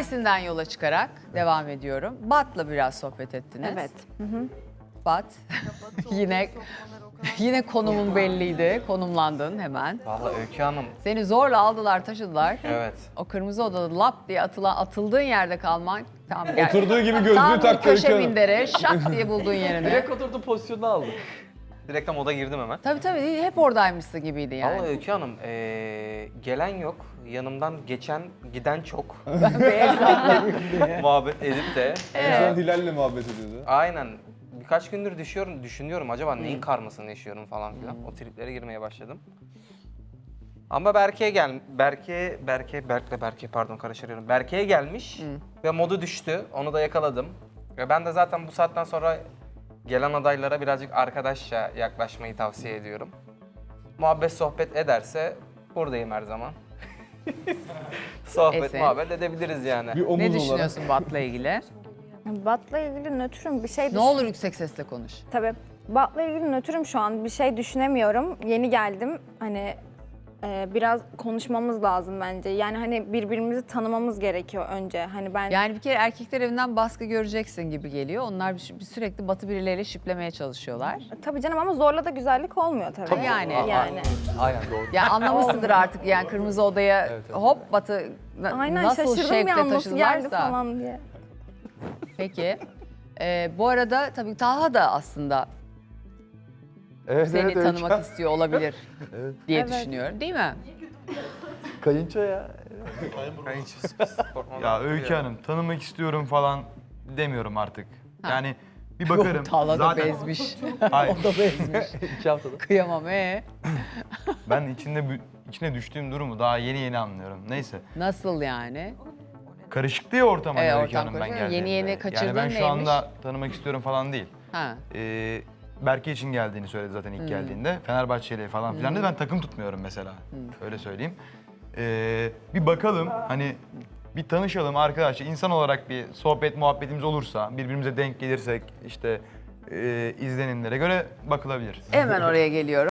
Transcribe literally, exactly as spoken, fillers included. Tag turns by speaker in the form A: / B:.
A: Mersin'den yola çıkarak devam ediyorum. Bat'la biraz sohbet ettiniz.
B: Evet.
A: Bat. yine yine konumun belliydi. Konumlandın hemen.
C: Vallahi Öykü Hanım,
A: Seni zorla aldılar, taşıdılar.
C: evet.
A: O kırmızı odada lap diye atılan, atıldığın yerde kalman tam gel.
D: Oturduğu gibi gözlüğü
A: Tam bir
D: taktı Öykü
A: köşe
D: Hanım.
A: mindere şak diye bulduğun yerini.
C: Direkt oturdu pozisyonunu aldı. Direkt tam oda girdim hemen.
A: Tabii tabii hep oradaymışsın gibiydi yani.
C: Vallahi Öykü Hanım, ee, gelen yok. Yanımdan geçen, giden çok.
A: Ben beyaz
C: Muhabbet edip de.
D: En son Hilal'le muhabbet ediyordu.
C: Aynen. Birkaç gündür düşüyorum, düşünüyorum acaba neyin karmasını yaşıyorum falan filan. O triplere girmeye başladım. Ama Berke'ye gel, Berke, Berke, Berk'le Berke pardon karıştırıyorum. Berke'ye gelmiş ve modu düştü. Onu da yakaladım. Ve ben de zaten bu saatten sonra gelen adaylara birazcık arkadaşça yaklaşmayı tavsiye ediyorum. Muhabbet sohbet ederse buradayım her zaman. Sohbet
A: Esin.
C: muhabbet edebiliriz yani.
D: Bir omuz
A: Ne
D: olarak.
A: düşünüyorsun Bat'la ilgili?
B: Bat'la ilgili nötrüm bir şey
A: Ne
B: düşün-
A: olur yüksek sesle konuş.
B: Tabii. Bat'la ilgili nötrüm şu an. Bir şey düşünemiyorum. Yeni geldim. Hani e, biraz konuşmamız lazım bence. Yani hani birbirimizi tanımamız gerekiyor önce. Hani ben
A: Yani bir kere erkekler evinden baskı göreceksin gibi geliyor. Onlar bir- bir sürekli Batı birileriyle şiplemeye çalışıyorlar.
B: tabii canım ama zorla da güzellik olmuyor tabii.
A: Tabii yani.
B: Yani.
C: Aynen doğru.
A: Ya anlamışsındır artık yani kırmızı odaya hop Batı na-
B: Aynen
A: nasıl
B: şaşırdım
A: şevkle
B: ya nasıl geldi
A: taşıdılarsa.
B: falan diye.
A: Peki. Ee, bu arada tabii Taha da aslında
E: Evet,
A: seni
E: evet, Öykü
A: tanımak
E: Hanım.
A: istiyor olabilir diye
B: Evet.
A: düşünüyorum. Değil mi?
E: Kayınço ya.
F: Ya Öykü Hanım tanımak istiyorum falan demiyorum artık. Yani bir bakarım.
A: Taha da
F: Zaten
A: bezmiş.
F: Hayır,
A: O da bezmiş.
C: İki haftada.
A: Kıyamam ee.
F: ben içinde bü- içine düştüğüm durumu daha yeni yeni anlıyorum. Neyse.
A: Nasıl yani?
F: Karışıktı ya ortam hani
A: Evet,
F: Öykü
A: ortam
F: Hanım ben
A: karışık.
F: geldiğimde.
A: Yeni yeni kaçırdığın
F: Yani ben şu
A: neymiş?
F: anda tanımak istiyorum falan değil.
A: Ha.
F: Ee, Berke için geldiğini söyledi zaten ilk geldiğinde. Fenerbahçeli falan filan dedi. Ben takım tutmuyorum mesela. Öyle söyleyeyim. Ee, bir bakalım hani bir tanışalım arkadaşlar. İnsan olarak bir sohbet muhabbetimiz olursa, birbirimize denk gelirsek işte e, izlenimlere göre bakılabilir.
A: Hemen oraya geliyorum.